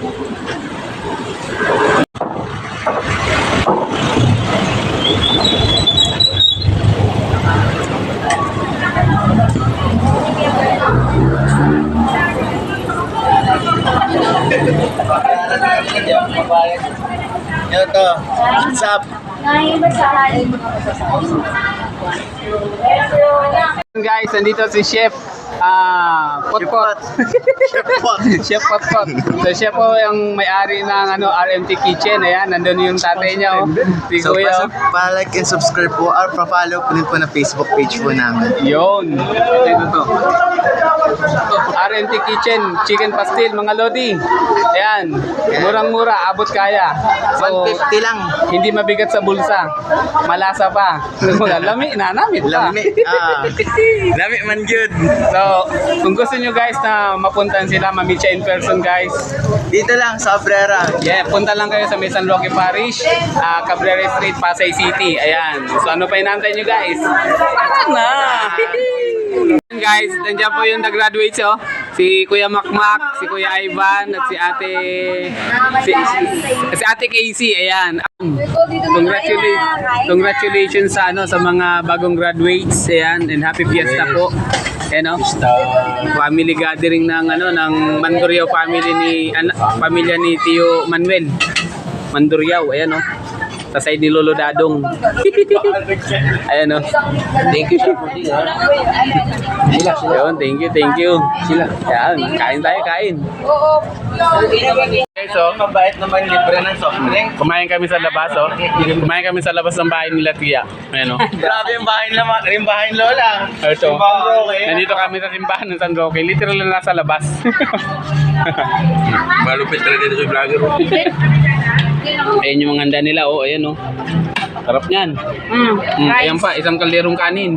Yo to. What's up? Guys, nandito si Chef Potpot. Chef Potpot. So siya po yung may-ari ng RMT Kitchen. Ayan, nandun yung tatay niya. Si So, Kuya. pa-like and subscribe po or pa-follow po din po na Facebook page po namin. Yun. Ito to. RMT Kitchen, chicken pastil, mga lodi. Ayan, murang-mura, abot kaya. So, 150 lang. hindi mabigat sa bulsa. Malasa pa. Lami, nanamit pa. Lami. Lami man good. So, kung gusto nyo guys na mapuntahan sila, ma-meet siya in person guys. Dito lang sa Abrera. Yeah, punta lang kayo sa May San Roque Parish, Cabrera Street, Pasay City. Ayan. So, ano pa inaantay nyo guys? Tara na! Guys, nandiyan po yung nag-graduate si Kuya Makmak, si Kuya Ivan, at si Ate Casey. Ayan. Congratulations sa sa mga bagong graduates. Ayan, and happy fiesta po. Ayan, family gathering ng ng Mandurriao family pamilya ni Tio Manuel Mandurriao. Ayan sa side ni Lolo Dadong. Ayan thank you. Yun, thank you. Sila. Ayan, kain tayo, kain. Okay, so, Mabait naman libre ng soft drink. kumain kami sa labas, Kumain kami sa labas ng bahay nila Tia. Ayan, Grabe yung bahay naman. Yung bahay Lola. Ito. Simbahan Roque. Nandito kami sa simbahan ng San Roque. Literal na nasa labas. Malupit talaga dito sa vlogger. Ayan yung mga handa nila, ayan sarap niyan. Ayan pa, isang kalderong kanin.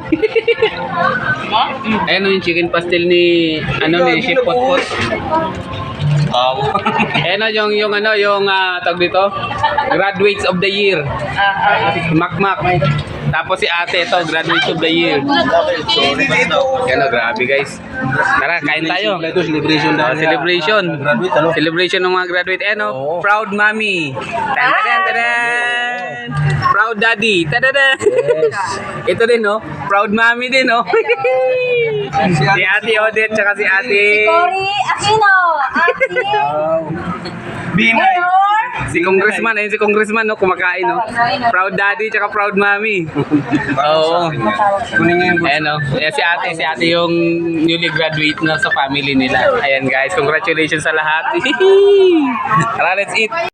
Ayan yung chicken pastel ni Chef Potpot. Ayan yung tawag dito, graduates of the year. Makmak. Tapos si ate ito, graduates of the year. Ayan grabe guys. Tara, kain tayo. Celebration na. Celebration. Celebration ng mga graduate. Proud mommy. Tan-tan-tan-tan. Proud daddy. Ta-da-da. Ito din proud mommy din Si Ate Odette tsaka si Ate Cory Aquino. Binay. si Congressman kumakain Proud daddy tsaka proud mommy. Oo. Ayan si ate yung newly graduate na sa family nila. Ayan guys, congratulations sa lahat. Tara, let's eat.